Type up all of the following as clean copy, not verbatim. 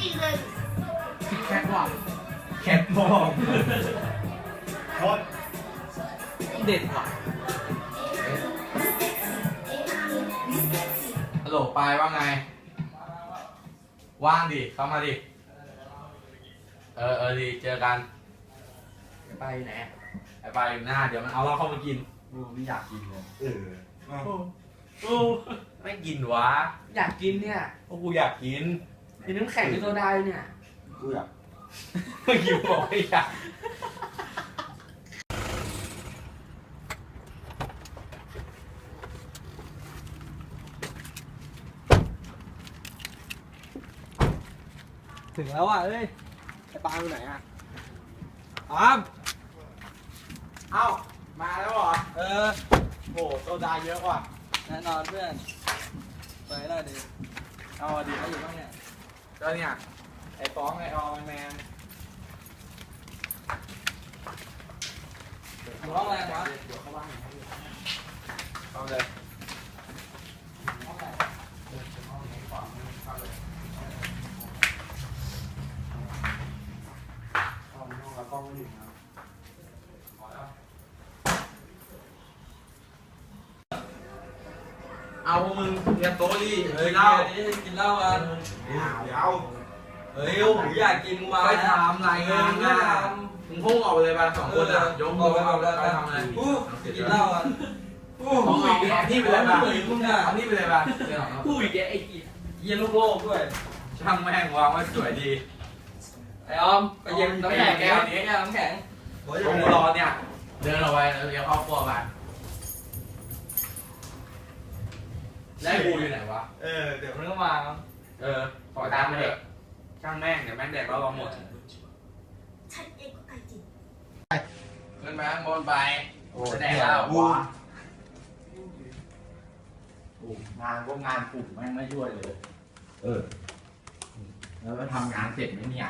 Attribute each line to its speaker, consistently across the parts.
Speaker 1: แคทบอก
Speaker 2: แคทบอกโคตร
Speaker 1: เด็ดว่ะ
Speaker 3: ฮัลโหลปายว่าไง ว่างดิ เข้ามาดิ ดี เจอกัน
Speaker 1: ไปไหน
Speaker 3: ไอ้ปายอยู่หน้า เดี๋ยวมันเอาเราเข้ามากิน
Speaker 2: กูไม่อยากกินเลย
Speaker 3: โอ้ไม่กินวะ
Speaker 1: อยากกินเนี่ย
Speaker 3: โอ้กูอยากกิน
Speaker 1: กินน้ำแข็งกินโซดาเนี่ย
Speaker 2: กูอยาก
Speaker 3: เมื่อกี้บอกไม่อยาก
Speaker 1: ถึงแล้วอ่ะเอ้ยไอ้ปาอยู่ไหนอ่ะปาม
Speaker 3: เอ้า มาแล้วเหรอ โหโซดาเยอะว่ะ
Speaker 1: แน่นอนเพื่อนไปได้ดิเอาดิเขาอยู่บ้างเนี่ย
Speaker 3: ก็เนี่ย ไอ้ฟ้องไอ้ออมไอ้แมน
Speaker 1: อยู่ห้องอะไรวะ
Speaker 3: เดี๋ยวเข้าบ้านเข้าเลย
Speaker 1: ห้องไหน
Speaker 3: ห้องนี้ก่อนเข้าเลย
Speaker 2: ห้องแล้วกล้องไม่ถึงนะ
Speaker 3: พอแล้วเอาพวกมึงเรียนโต๊ะดิ
Speaker 1: เฮ้ย
Speaker 3: เหล้า
Speaker 1: กินเหล้ากัน
Speaker 2: เดี๋ยว
Speaker 1: เฮ้ยโอ้โหอยากกินมา
Speaker 3: ไปทำรายงานนะมึงพุ่งออกไปเลยไปสองคนอ่ะยกมือไปทำอะไร
Speaker 1: กินเหล้ากัน
Speaker 3: เอานี่ไปเลยป่ะเอานี่ไปเลยป่ะ
Speaker 1: ผู้อีกไอ้เย็นโลกด้วย
Speaker 3: ช่างแม่งวางไว้สวยดี
Speaker 1: ไอ้ออมไปเย็นน้ำแข็งแก้วนี้น้ำแข็ง
Speaker 3: ตรงรอเนี่ย เดินออกไปแล้วเลี้ยวเข้าครัวไปแล้วกูอยู่ไหนวะ
Speaker 1: เดี๋ยวมันก็มา
Speaker 3: ปล่อยตามไปเถอะช่างแม่งเดี๋ยวแม่งแดกเราหมด
Speaker 4: ฉันเองก็ตายจริง
Speaker 3: ขึ้นมาข้างบนไปจะแดกแล้ววะ
Speaker 2: งานก็งานกลุ่มแม่งไม่ช่วยเลย แล้วก็ทำงานเสร็จไหมเนี่ย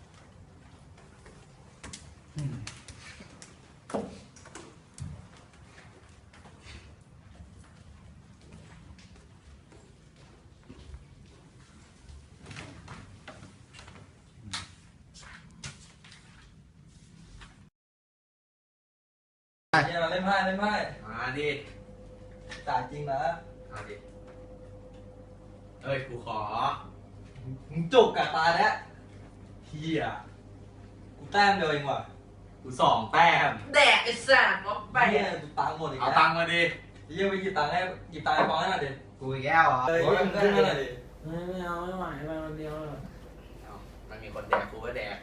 Speaker 1: เนี่ยเล่นไพ่เล่นไพ่
Speaker 3: มาดิ
Speaker 1: จ่ายจริงนะ
Speaker 3: มาดิเอ้ยกูขอ
Speaker 1: มึงจุกกับตาแล้ว
Speaker 3: เฮีย
Speaker 1: กูแต้มเดียวเองว่ะ
Speaker 3: กูสองแต้ม
Speaker 1: แดกไอ้สัตว์มาไปเนี่ยดูตังค์หมดอีก
Speaker 3: เอา
Speaker 1: แล้ว
Speaker 3: ตังค์มาดิ
Speaker 1: เยี่ยไปหยิบตังค์ให้หยิบตังค์ให้ฟ้องให้หน่อยดิ
Speaker 2: กูอีกแล้วเหรอ
Speaker 1: เฮ้ยขึ้นมาหน่อยดิ
Speaker 5: ไม่เอาไม่ไหวไปคนเดียวเลย
Speaker 3: เอามันมีคนแดกกูก็แดก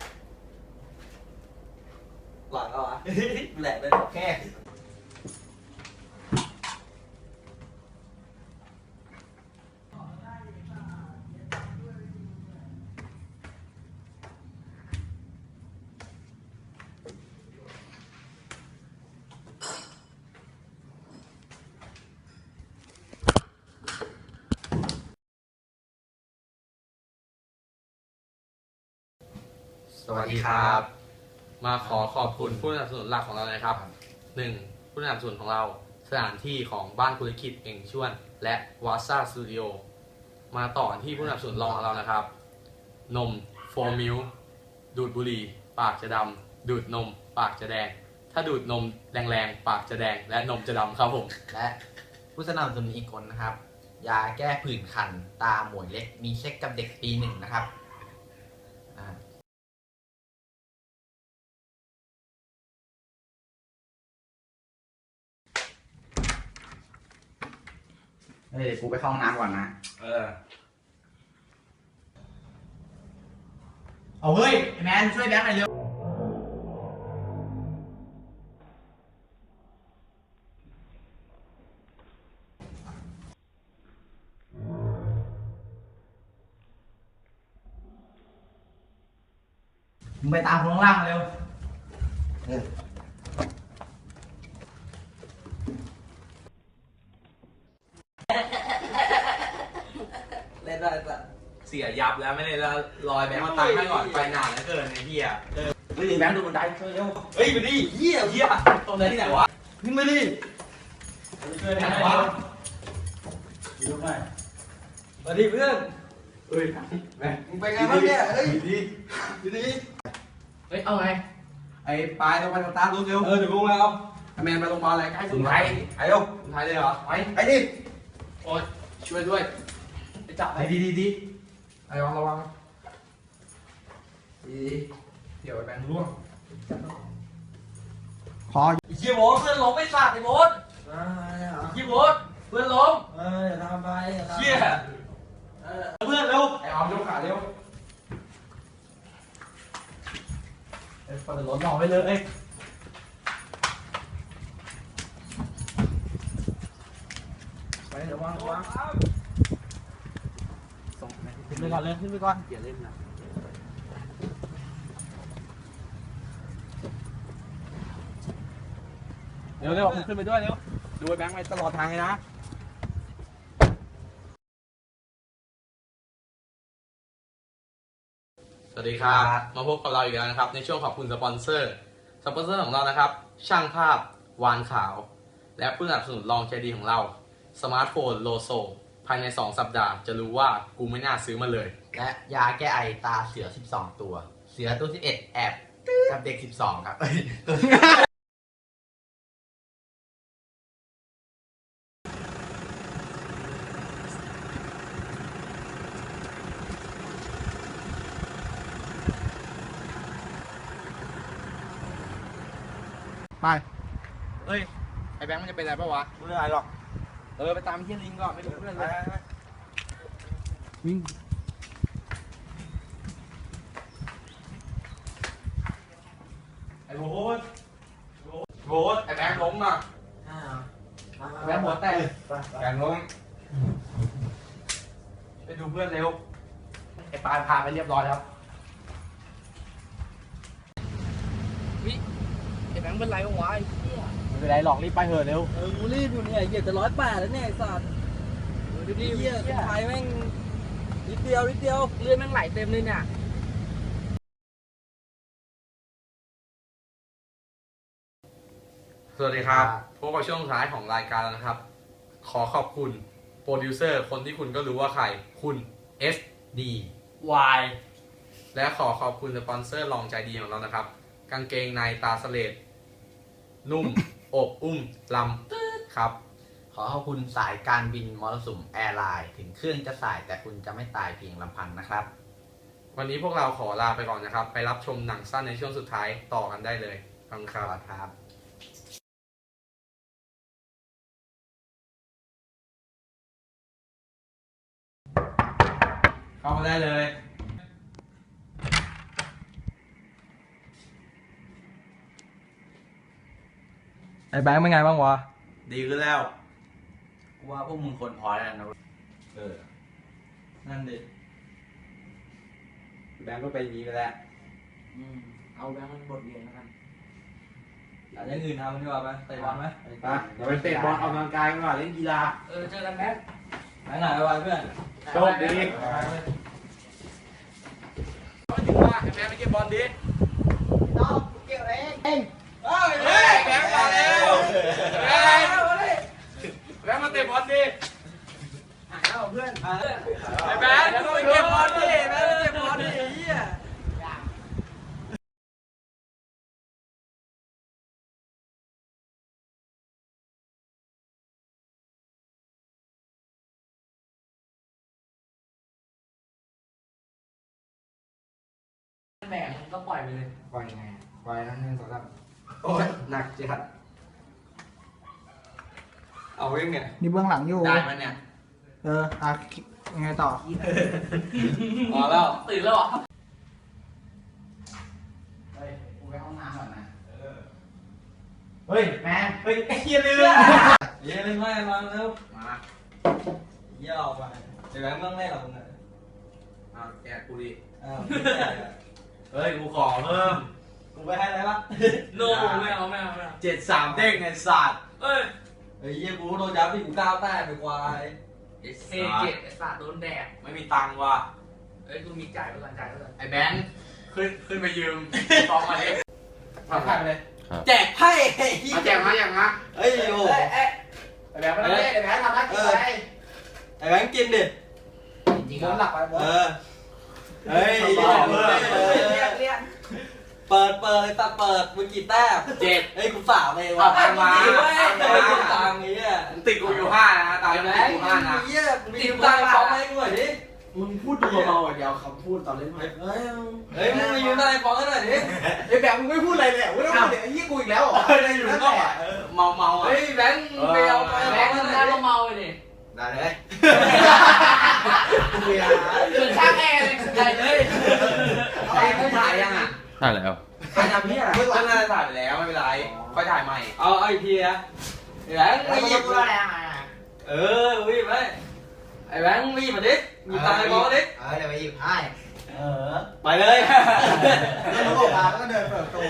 Speaker 1: หลังเอาอ่ะแหลกเลย
Speaker 2: แค่
Speaker 3: สวัสดีครับ มาขอขอบคุณผู้สนับสนุนหลักของเราเลยครับ1ผู้สนับสนุนของเราสถานที่ของบ้านธุรกิจเองชวนและวาซ่าสตูดิโอมาต่อที่ผู้สนับสนุนรองของเรานะครับ นม4 มิลดูดบุหรี่ปากจะดำดูดนมปากจะแดง ถ้าดูดนมแรงๆปากจะแดงและนมจะดำครับผม
Speaker 6: และผู้สนับสนุนอีกคนนะครับ ยาแก้ผื่นคันตาหมวยเล็กมีเช็คกับเด็กปี 1นะครับอ่า
Speaker 2: เฮ้ยเดี๋ยวกูไปเข้าห้องน้ำก่อนนะ เอาเฮ้ยไอ้แมนช่วยแบงค์หน่อยเร็วมึงไปตามคนข้างล่างมาเร็ว
Speaker 1: เล่นได้สัตว์
Speaker 3: เสียยับแล้วไม่ได้แล้วลอยแบงค์มาตังค์ให้ก่อนไปนานแล้วเกินไอ้เหี้ย
Speaker 2: เฮ้ยแบงค์ดูบันไดช่วยเร็ว
Speaker 1: เฮ้ยไปดิเหี้ย
Speaker 3: เหี้ยตรงไหนที่ไหนวะ
Speaker 1: ขึ้นมาดิ
Speaker 2: ช่วยแบงค์หน่อยเร็ว
Speaker 1: มาดิเพื่อน
Speaker 3: เฮ้ยแม่ง
Speaker 1: มึงเป็นไงบ้างเนี่ยเฮ้ยดี
Speaker 3: เฮ้ยเอาไง
Speaker 1: ไอ้ปลายต้องไปสตาร์ทรถเร็วเดี๋ยวลงแล้วไอ้แมนไปโรงพยาบาลอะไรใกล้สุดไทยไอ้เร็ว
Speaker 3: สุดท้ายเลยเหรอไป
Speaker 1: ไอ้ดิ
Speaker 3: โอ๊ยช่วยด้วยไปจับไปดีไอ้ระวังดีเดี๋ยวไอ้แบงค์ร่วง
Speaker 1: ไอ้เชี่ยโบ๊ทเพื่อนล้มไม่สัตว์ไอ้โบ๊ท
Speaker 5: เหรอ
Speaker 1: ไอ้โบ๊ทเพื่อนล้ม
Speaker 5: อย่าทำไปอย่าทำ
Speaker 1: เชี่ยเพื่อนเร็ว
Speaker 3: ไอ้ออมยกขาเร็ว
Speaker 1: เปิดรถรอไว้เลย
Speaker 5: ไประวังระวัง
Speaker 3: ส่ง
Speaker 1: ขึ้นไปก่อนเลยขึ้นไปก่อน
Speaker 3: อย่าเล่นนะ
Speaker 1: เร็วมึงขึ้นไปด้วยเร็วดูไอ้แบงค์ไปตลอดทางเลยนะ
Speaker 3: สวัสดีครับ มาพบกับเราอีกแล้วนะครับ ในช่วงขอบคุณสปอนเซอร์ สปอนเซอร์ของเรานะครับ ช่างภาพ วานขาว และผู้สนับสนุนรองใจดีของเรา สมาร์ทโฟนโลโซ ภายใน 2 สัปดาห์ จะรู้ว่ากูไม่น่าซื้อมาเลย
Speaker 6: และยาแก้ไอตาเสือ 12 ตัว เสือตัว11แอบกับเด็ก 12 ครับ
Speaker 1: ไป
Speaker 3: เฮ้ย ไอ้แบงค์มันจะเป็นอะไรปะวะ
Speaker 1: ไม่เป็นไรหรอก
Speaker 3: ไปตามเฮียลิงก่อนไม่รู้เพื่อนเลย
Speaker 1: วิ่ง
Speaker 3: ไอ้โบ๊ทไอ้แบงค์ล้มอ่ะแบงค์หัวแตก
Speaker 1: แกงล้ม
Speaker 3: ไปดูเพื่อนเร็ว ไอ้ปานพาไปเรียบร้อยครับวิไอ้แบงค์เป็นไรวะไอ้เหี้ย
Speaker 1: ไม่เป็นไรหรอกรีบไปเถอะเร็ว
Speaker 5: กูรีบอยู่เนี่ยเหยียบจะ108แล้วเนี่ยไอ้สัตว์ดูดิเหี้ยไทยแม่งนิดเดียวเลือดแม่งไหลเต็มเลยเนี่ย
Speaker 3: สวัสดีครับพบกับช่วงสุดท้ายของรายการแล้วนะครับ ขอขอบคุณโปรดิวเซอร์คนที่คุณก็รู้ว่าใคร คุณ SD
Speaker 5: Y
Speaker 3: และขอขอบคุณสปอนเซอร์รองใจดีของเรานะครับ กางเกงในตาสเลดนุ่ม อบอุ้มลำครับ
Speaker 6: ขอขอบคุณสายการบินมรสุมแอร์ไลน์ถึงเครื่องจะสายแต่คุณจะไม่ตายเพียงลำพังนะครับ
Speaker 3: วันนี้พวกเราขอลาไปก่อนนะครับ ไปรับชมหนังสั้นในช่วงสุดท้ายต่อกันได้เลยขอบคุณครับ
Speaker 6: ครับ
Speaker 3: เข้ามาได้เลย
Speaker 1: ไอ้แบงค์เป็นไงบ้างวะ
Speaker 6: ดีขึ้นแล้วกูว่าพวกมึงคนพอแล้วนะ
Speaker 1: นั่นดิแบงค์ก็ไปนี้ไปแล้ว
Speaker 5: เอาแบงค์มันบทเรียนแล้วกัน
Speaker 1: อยากอย่างอื่นทำดีกว่าไหมเตะบอลไหม
Speaker 3: ไปเดี๋ยวไปเตะบอลออกกำลังกายกันก่อนเล่นกีฬา
Speaker 5: เจอกันแบงค์
Speaker 1: แบงค์หายไปเพื่อน
Speaker 3: โชคดีไม่ถึงว่าแม่ไม่เก็บบอลดิ
Speaker 5: น้องเกี่ยวเอง
Speaker 3: เฮ้ยแบงค์มาแล้วแบงค์มาเตะบอลดิ
Speaker 5: เอาเพื่อน
Speaker 3: ไอ้แบงค์มาเก็บบอลดิแบงค์มาเก็บบอลดิไอ้เหี้ย
Speaker 5: แบกมันก็ปล่อยไปเลย
Speaker 3: ปล่อยไงปล่อยนั่น1 2 3โอ้ยหนักจัดเอาเองเนี่ย
Speaker 7: นี่เบื้องหลังอยู่
Speaker 6: ได้มันเนี่ย
Speaker 7: ยังไงต่อ
Speaker 3: พอแล้ว
Speaker 5: ตื่นแล้วเหรอ
Speaker 6: เฮ้ย กูไปห้องน้ำก่อนนะ
Speaker 1: เฮ้ย
Speaker 6: แมน
Speaker 1: เฮ้ยไอ้เหี้ยลืมเหี้ยลืมไม่มาเร็ว
Speaker 6: มา
Speaker 1: เหี้ยออกมาไอ้แบงค์เมื่อแรกกับมึงอ่ะ
Speaker 3: เอาแกะกูดิ
Speaker 1: อ้าวไม่ได้อะเฮ้ยกูขอเพิ่มกูไปให้อะไรปะ
Speaker 5: โน่ไม่เอา
Speaker 1: 73 เด้งไอ้สัตว์
Speaker 5: เอ้ย
Speaker 1: เฮ้ยเหี้ยกูโดนยับที่กูก้าวแต้มไปควาย
Speaker 5: เอเจ็ดไอ้สัตว์โดนแดด
Speaker 1: ไม่มีตังค์ว่ะ
Speaker 5: เอ้ยกูมีจ่ายไปก่อนจ่ายไปก่อน
Speaker 3: ไอ้แบงค์ขึ้นไปยืมฟองมาดิมาถ่ายไปเลย
Speaker 1: แจกไพ่ไอ้เหี้ย
Speaker 3: มาแจกมาอย่างนะ
Speaker 1: เฮ้ยโอ้
Speaker 3: ไอ้แบงค์ไม่ได้ไอ้แบงค์ทำได้กี่ใบ
Speaker 1: ไอ้แบงค์กินดิ
Speaker 6: จริง
Speaker 5: บนหลักไปบน
Speaker 2: เฮ้ย
Speaker 5: เปิดตัดเปิดมึงกี่แต้ม
Speaker 1: 7
Speaker 5: เฮ้ยกูสามเอง
Speaker 1: เอา
Speaker 5: ว่ะ
Speaker 1: ตังค์มา
Speaker 5: ตังค์นี้อ่ะ
Speaker 1: ติดกูอยู่5นะตาย
Speaker 5: ไอ้
Speaker 1: แล้
Speaker 5: แม่
Speaker 1: วกู5นะ
Speaker 5: เหี้ยมึงติดตังค์ฟ้องให้กูหน่อยดิ
Speaker 2: มึงพูดดูเบาๆเดี๋ยวคำพูดตอนเล่นไพ่
Speaker 5: เฮ้ยมึงมายืนตังค์ฟ้องให้หน่อยดิ
Speaker 2: ไอ้แบบมึงไม่พูดอะไรเลยไม่ต้องพูดเลยไอ้ยี่กูอีกแล้วเหรอได้อยู่ก็
Speaker 1: เมาอ่ะ
Speaker 5: เฮ้ยแบงค์ไปเอาตังค์ฟ้องให้หน่อยดิ
Speaker 6: ได้เลย
Speaker 2: เวลา
Speaker 6: เหมือนช่างแอร์เลยใหญ่เลย
Speaker 1: ไอ้ผู้ถ่ายยังอ่ะ
Speaker 3: ใช่แล้ว
Speaker 1: ถ่ายทำพี่อะไรก็น่าจะถ่ายไปแล้วไม่เป็นไรค่อยถ่ายใหม่
Speaker 5: เอาอีกทีนะไอ้แบงค์ไม่หยิบ
Speaker 6: พูดอะไรอ่ะ
Speaker 5: วิ่งไปไอ้แบงค์วิ่งมาดิมีตังค์ไปฟ้องดิ
Speaker 6: เดี๋ยวไปหยิบให้
Speaker 5: ไปเลย
Speaker 2: แล้วก็มาแล้วก็เดินเปิดประตู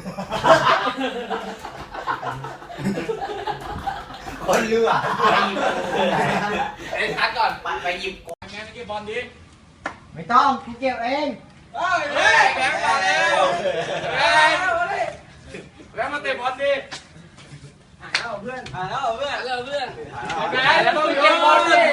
Speaker 2: คนเรือ
Speaker 6: ไอ้ทักก่อนไปหยิบ
Speaker 1: แม่ไปเก็บบอลดิ
Speaker 7: ไม่ต้องกูเก็บเอง
Speaker 1: เฮ้ยแบงค์มาแล้วแบงค์มาเตะบอลดิ
Speaker 5: เพื่อน
Speaker 1: แบงค์แล้วต้องเก็บบอลดิ